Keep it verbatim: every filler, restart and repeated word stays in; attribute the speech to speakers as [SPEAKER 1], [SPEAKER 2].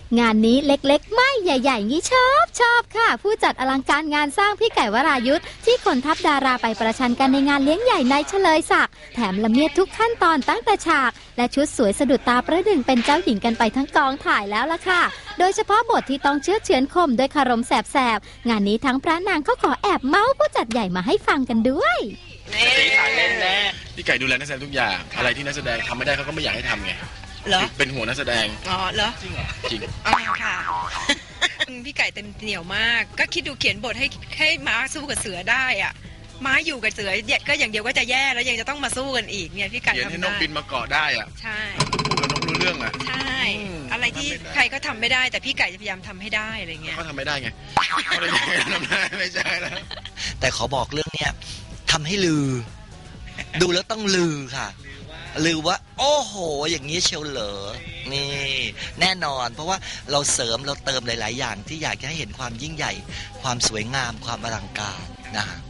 [SPEAKER 1] งานนี้เล็กๆไม่ใหญ่ๆงี้ชอบชอบค่ะผู้จัดอลังการงานสร้างพี่ไก่วรายุทธที่ขนทัพดาราไปประชันกันในงานเลี้ยงใหญ่ในเฉลยศักดิ์แถมละเมียดทุกขั้นตอนตั้งแต่ฉากและชุดสวยสะดุดตาประดึงเป็นเจ้าหญิงกันไปทั้งกองถ่ายแล้วล่ะค่ะโดยเฉพาะบทที่ต้องเชื้อเฉือนคมด้วยคารมแสบๆงานนี้ทั้งพระนางก็ขอแอบเมาส์ผู้จัดใหญ่มาให้ฟังกันด้วย
[SPEAKER 2] พี่ไก่ดูแลนักแสดงทุกอย่างอะไรที่นักแสดงทำไม่ได้เขาก็ไม่อยากให้ทำไง
[SPEAKER 3] เหรอ
[SPEAKER 2] เป็นห่วงนักแสดง
[SPEAKER 3] อ๋อเหรอ
[SPEAKER 2] จริงเหรอจริง
[SPEAKER 3] อ๋อค่ะพี่ไก่เต็มเหนียวมากก็คิดดูเขียนบทให้ให้ม้าสู้กับเสือได้อ่ะม้าอยู่กับเสือก็อย่างเดียวก็จะแย่แล้วยังจะต้องมาสู้กันอีกเนี่ยพี่ไก่ทำได้
[SPEAKER 2] เขียนให้นกบินมาเกาะได้อ่ะ
[SPEAKER 3] ใช่
[SPEAKER 2] พูดกับนกรู้เรื่องอ่ะ
[SPEAKER 3] ใช่อะไรที่ใครก็ทำไม่ได้แต่พี่ไก่จะพยายามทำให้ได้อะไรเงี้ย
[SPEAKER 2] เขาทำไม่ได้ไงเขาเลยทำได้ไม่ใช่แล้ว
[SPEAKER 4] แต่ขอบอกเรื่องเนี้ยทำให้ลือดูแล้วต้องลือค่ะลือว่าโอ้โหอย่างนี้เชียวเหรอนี่แน่นอนเพราะว่าเราเสริมเราเติมหลายๆอย่างที่อยากจะให้เห็นความยิ่งใหญ่ความสวยงามความอลังการนะฮะ